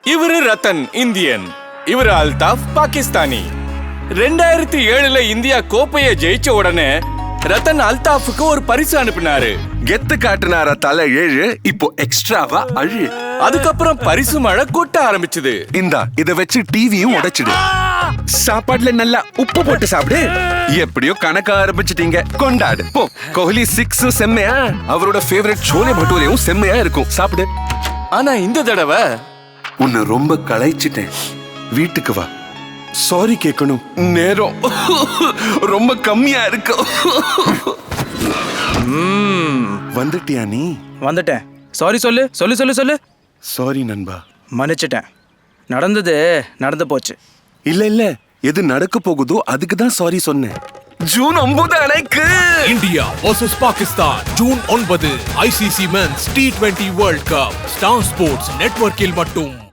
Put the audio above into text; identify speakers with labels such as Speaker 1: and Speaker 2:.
Speaker 1: இவரு ரத்தன் இந்தியன், இவரு அல்தாஃப் பாகிஸ்தானி. 2007ல இந்தியா கோப்பைய ஜெயிச்ச உடனே ரத்தன் அல்தாஃபுக்கு ஒரு பரிசு அனுப்பினாரு.
Speaker 2: கெத்து காட்டுனாரா தலை 7, இப்போ எக்ஸ்ட்ராவா அழு.
Speaker 1: அதுக்கப்புறம் பரிசு மழை கொட்ட ஆரம்பிச்சது.
Speaker 2: இந்தா இத வச்சு டிவியும் உடைச்சிடு. சாப்பாடுல நல்லா உப்பு போட்டு சாப்பிடு. எப்படியோ கணக்க ஆரம்பிச்சிட்டீங்க, கொண்டாடு போ. கோஹ்லி 6 செம்மையா, அவரோட ஃபேவரட் சோலே பட்டூரையும் செம்மையா இருக்கும், சாப்பிடு.
Speaker 1: ஆனா இந்த தடவை
Speaker 2: உன்னை ரொம்ப களைச்சிட்டேன், வீட்டுக்கு வா. சாரி கேட்கணும், நேரம் ரொம்ப கம்மியா இருக்கு. வந்துட்டியா நீ?
Speaker 3: வந்துட்டேன். சாரி சொல்லு சொல்லு சொல்லு சொல்லு.
Speaker 2: சாரி நண்பா.
Speaker 3: மன்னிச்சிட்டேன். நடந்தது நடந்து போச்சு.
Speaker 2: இல்ல எது நடக்க போகுதோ அதுக்கு தான் சாரி சொன்னேன். ஜூன் 9 அன்னைக்கு
Speaker 4: India vs Pakistan June 9 ICC Men's T20 World Cup star sports நெட்வொர்க்கில் மட்டும்.